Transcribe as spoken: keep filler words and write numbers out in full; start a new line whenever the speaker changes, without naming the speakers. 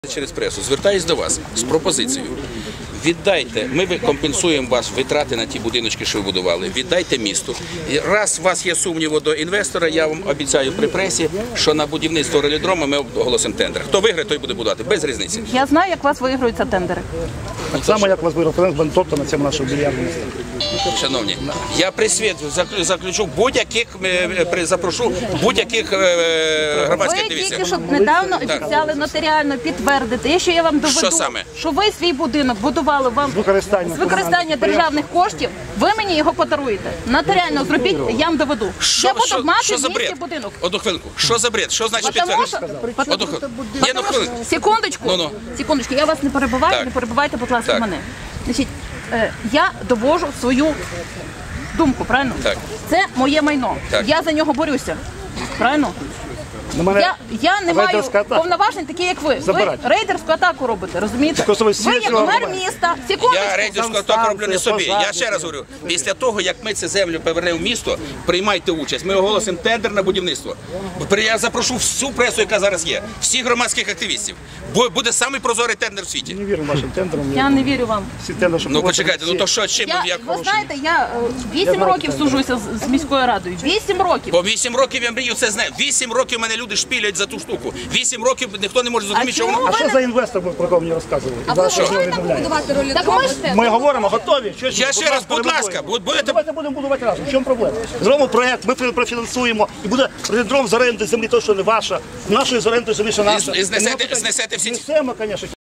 Через пресу звертаюсь до вас з пропозицією. Віддайте, ми компенсуємо вас витрати на ті будиночки, що ви будували. Віддайте місту. І раз у вас є сумніви до інвестора, я вам обіцяю при пресі, що на будівництво релідрома ми оголосимо тендер. Хто виграє, той буде будувати. Без різниці.
Я знаю, як у вас виграються тендери.
Так само, як у вас виграв Френк Бентопта на цьому нашому більярдному.
Шановні, я при світ заключу будь-яких, запрошу будь-яких громадських
Ви
активістів.
тільки що недавно обіцяли нотаріально підтвердити, якщо я вам доведу,
Що саме?
що ви свій будинок будували вам
З використанням
з використання державних коштів, ви мені його подаруєте. Нотаріально зробіть, я вам доведу.
Що,
я буду
що,
мати
що за
в місті
бред?
будинок.
Одну хвилинку. Що за бред? Що значить
Потому що,
підтвердження?
потому-
Одну хвилинку. Ні, ну хвилинку.
Секундочку,
Ну-ну.
секундочку, я вас не перебиваю,
Так.
не перебивайте, будь ласка,
Так.
мене. Значить, е, я довожу свою думку, правильно?
Так.
Це моє майно.
Так.
Я за нього борюся. Правильно?
На мене
Я, я не маю
рейдерська атака.
повноважень такі, як ви.
Забирайте.
Ви рейдерську атаку робите, розумієте?
Просто ви
Ви
всі
як
цього
мер
робите.
міста. Секундочку.
Я рейдерську атаку роблю не собі. Я ще раз говорю, після того, як ми цю землю повернемо в місто, приймайте участь. Ми оголосимо тендер на будівництво. Я запрошу всю пресу, яка зараз є, всіх громадських активістів. Бо буде самий прозорий тендер в світі.
не вірю вашим тендерам.
Я не вірю вам.
Всі тендери, що
Ну
проводять,
почекайте, ну то що, чим
Я,
як
ви знаєте, я е, вісім
знаю,
років
що
сужуся з, з міською радою. Вісім років.
по вісім років я мрію це знаю. Вісім років мене люди шпілять за ту штуку. Вісім років ніхто не може зрозуміти, що
чому
воно.
А що за інвестор був, про кого мені розказували?
А ви готові побудувати ролі?
Так ми ж
Ми говоримо, готові. Що,
Я ще раз, будь ласка, будь- будете.
Давайте будемо будувати разом. В чому проблема? Зробимо проєкт, ми профінансуємо, і буде релідром з оренди землі, то, що не ваша, нашої з оренди землі, що наша.
І знесете- знесете всі ці-
Знесемо, звісно.